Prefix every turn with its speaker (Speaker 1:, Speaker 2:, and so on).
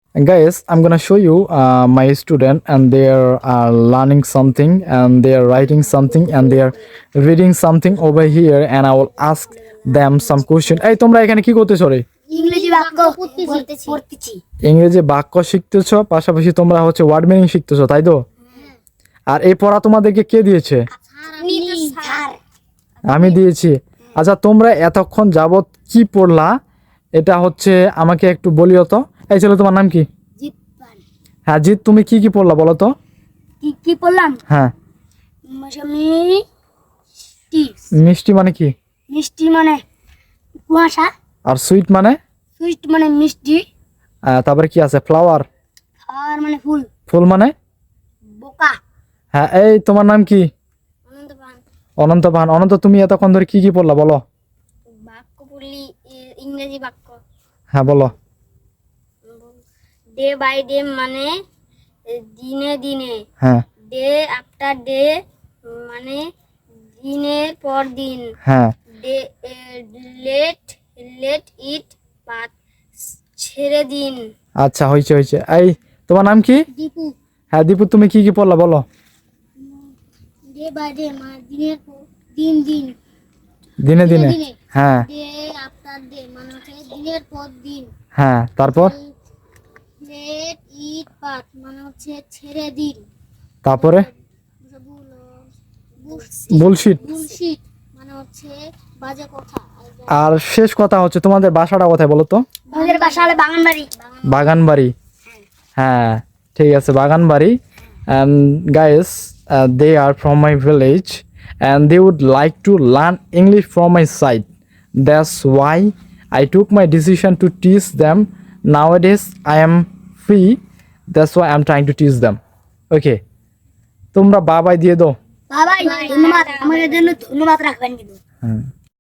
Speaker 1: Guys, I'm gonna show you my student, and they are learning something, and they are writing something, and they are reading something over here, and I will ask them some question. এই তোমরা এখানে কি করতেছো রে?
Speaker 2: ইংরেজি বাক্য পড়তেছি।
Speaker 1: ইংরেজি বাক্য শিখতেছো, পাশাপাশি তোমরা হচ্ছে ওয়ার্ড মিনিং শিখতেছো, তাই তো? আর এই পড়া তোমাদেরকে কে দিয়েছে?
Speaker 2: স্যার
Speaker 1: আমি দিয়েছি। আচ্ছা, তোমরা এতক্ষণ যাবত কি পড়লা এটা হচ্ছে আমাকে একটু বলিও তো। এই ছেলে, তোমার নাম কি?
Speaker 2: জিতপান।
Speaker 1: হ্যাঁ জিৎ, তুমি কি কি পড়লা বলো তো?
Speaker 2: কি পড়লাম?
Speaker 1: হ্যাঁ, মিষ্টি মানে কি?
Speaker 2: মিষ্টি মানে কুয়াশা,
Speaker 1: আর সুইট মানে?
Speaker 2: সুইট মানে মিষ্টি,
Speaker 1: তারপরে কি আছে? ফ্লাওয়ার।
Speaker 2: আর মানে ফুল,
Speaker 1: ফুল মানে?
Speaker 2: বোকা।
Speaker 1: হ্যাঁ, এই তোমার নাম কি?
Speaker 2: অনন্তপান।
Speaker 1: অনন্ত ভান। অনন্ত, তুমি এতক্ষণ ধরে কি কি পড়লা বলো?
Speaker 2: বাক্য পড়লি, ইংরেজি বাক্য।
Speaker 1: হ্যাঁ বলো।
Speaker 2: ডে বাই ডে মানে দিনে দিনে,
Speaker 1: হ্যাঁ
Speaker 2: ডে আফটার ডে মানে দিনের পর দিন,
Speaker 1: হ্যাঁ
Speaker 2: ডে লেট লেট ইট বাট ছেড়ে দিন।
Speaker 1: আচ্ছা, হয়েছে হয়েছে। এই তোমার নাম কি?
Speaker 2: দীপু।
Speaker 1: হ্যাঁ দীপু, তুমি কি কি পড়লা বলো?
Speaker 2: ডে বাই ডে মানে দিনের পর দিন দিন,
Speaker 1: দিনে দিনে।
Speaker 2: দিনে।
Speaker 1: হ্যাঁ
Speaker 2: ডে আফটার ডে মানে হচ্ছে দিনের পর দিন,
Speaker 1: হ্যাঁ, তারপর?
Speaker 2: লেট ইট বাট মানে হচ্ছে ছেড়ে দিন,
Speaker 1: তারপরে? বুলশিট।
Speaker 2: বুলশিট মানে হচ্ছে বাজে কথা।
Speaker 1: আর শেষ কথা হচ্ছে তোমাদের বাসাটা কোথায় বলো তো?
Speaker 2: আমাদের বাসা হলো বাগানবাড়ি।
Speaker 1: বাগানবাড়ি। হ্যাঁ ঠিক আছে, বাগানবাড়ি। and guys, they are from my village and they would like to learn English from my side. That's why I took my decision to teach them. Nowadays I am free, that's why I'm trying to teach them. Okay, তোমরা বাবাই দিয়ে দাও।
Speaker 2: বাবাই ধন্যবাদ, আমাদের জন্য ধন্যবাদ রাখবেন কিন্তু।
Speaker 1: হুম।